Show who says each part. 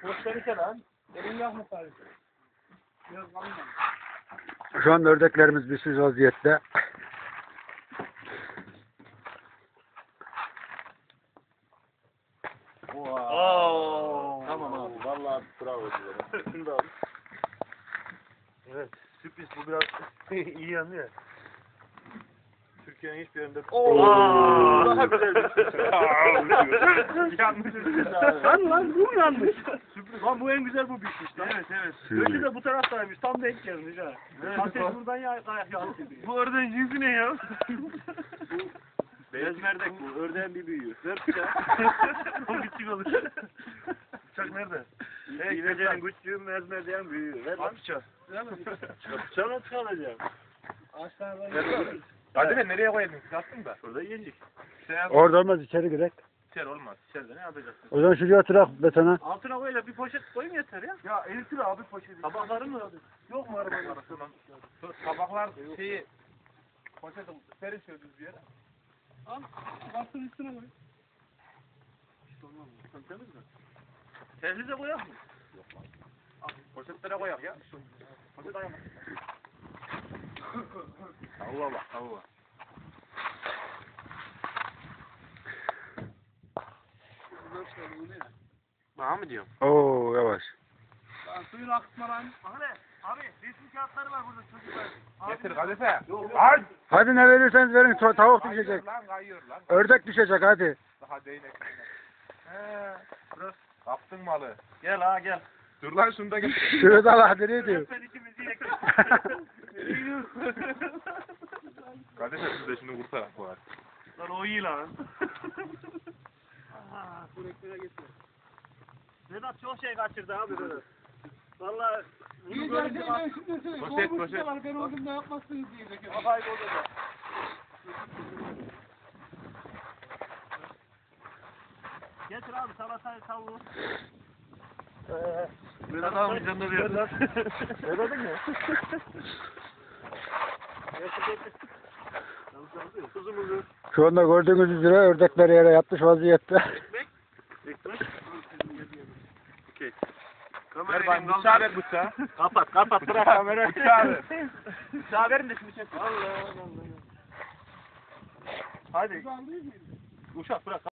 Speaker 1: Gösterirse lan. Elin yakma sadece. Biraz kalın.
Speaker 2: Şu an ördeklerimiz bizsiz vaziyette.
Speaker 1: Oo. Tamam abi. Vallahi bravo size. Şunu da al. Evet. Sürpriz bu biraz iyi yanıyor. Türkiye'nin hiçbir yerinde...
Speaker 2: Oo.
Speaker 1: Daha güzel bir şey. Yanlış bir şey. Lan bu yanlış. Sürpriz. Lan bu en güzel bu bitmiş lan. Evet evet. Ötü de bu taraftaymış. Tam denk gelmiş ha. Ateş buradan ya kayak yansıdı. Bu ördeğin cinsi ne ya? Beyaz merdek bu. Ördeğin bir büyüğü. Ver bıçağı. O küçük olur. Bıçak nerede? İvecenin küçüğü, beyaz merdeğin büyüğü. Ver lan bıçağı. Bıçağı nasıl alacağım? Ağaçlardan hadi be nereye koyalım? Yattın da. Şurada yiyecek.
Speaker 2: Orada olmaz, içeri girek.
Speaker 1: İçeri olmaz. İçeride ne yapacaksın?
Speaker 2: O zaman şuraya atırak betona.
Speaker 1: Altına koyla bir poşet koyayım yeter ya. Ya eritir abi poşeti. Tabakları mı? Yok mu arabanın arasından? Tabaklar şeyi poşeti serin şöyle düz bir yere. Al. Baktın üstüne koy. Hiç olmaz mı? Temiz mi? Tehlize koyak mı? Yok lan. Al poşetlere koyak ya. Poşet ayağına. Allah bak Allah. Bana mı diyorum?
Speaker 2: Oo yavaş.
Speaker 1: Lan suyun akıtma lan. Abi resim kağıtları var burada çocuklar.
Speaker 3: Getir kadife.
Speaker 1: Hadi.
Speaker 2: Hadi ne verirseniz verin, tavuk düşecek.
Speaker 3: Lan kayıyor lan.
Speaker 2: Ördek düşecek hadi.
Speaker 3: Daha değnek. Kaptın malı.
Speaker 1: Gel ha gel.
Speaker 3: Dur lan şunu da getir.
Speaker 2: Şurada Allah ne diyor?
Speaker 1: Ben ikimizi yek.
Speaker 3: Kadife siz de şunu kurtarak bu arada.
Speaker 1: Lan o iyi lan. Bu reklere getir. Vedat çok şey kaçırdı abi Vedat. Valla bunu görünce bak.
Speaker 3: Poşet poşet.
Speaker 1: Ben o gün ne yapmazsınız diyecek. Kafayı bozacak. Getir abi salatayı tavuğu. Vedat abi canına bir Vedat. Vedat'ın mı? Tuzumuzu.
Speaker 2: Şu anda gördüğünüz üzere ördekler yere yatmış vaziyette.
Speaker 1: Ekmek. Okey.
Speaker 3: Ver bana bıçağı ver bıçağı.
Speaker 1: Kapat bırak kamerayı.
Speaker 3: Bıçağı ver.
Speaker 1: Bıçağı verin de şimdi çek. Allah Allah. Hadi. Uşak bırak.